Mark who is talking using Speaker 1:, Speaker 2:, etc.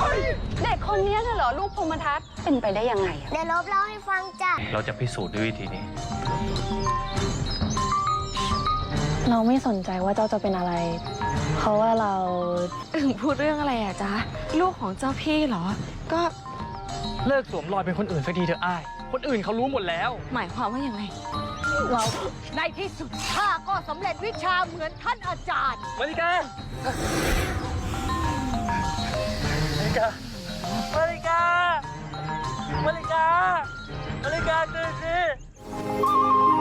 Speaker 1: เด็กคนนี้น่ะเหรอลูกพรหมทัตเป็นไปได้ยังไงอะ
Speaker 2: เดี๋ยวลบเล่าให้ฟังจ้ะ
Speaker 3: เราจะพิสูจน์ด้วยวิธีนี้
Speaker 4: เราไม่สนใจว่าเจ้าจะเป็นอะไร เพราะว่าเรา
Speaker 5: พูดเรื่องอะไรอะจ๊ะลูกของเจ้าพี่เหรอ ก็
Speaker 6: เลิกสวมรอยเป็นคนอื่นสักทีเถอะอ้าย คนอื่นเขารู้หมดแล้ว
Speaker 5: หมายความว่าอย่างไร
Speaker 7: ในที่สุดข้าก็สำเร็จวิชาเหมือนท่านอาจารย์
Speaker 6: มาริกา มาริกา มาริกา มาริกา มาริกาตื่นสิ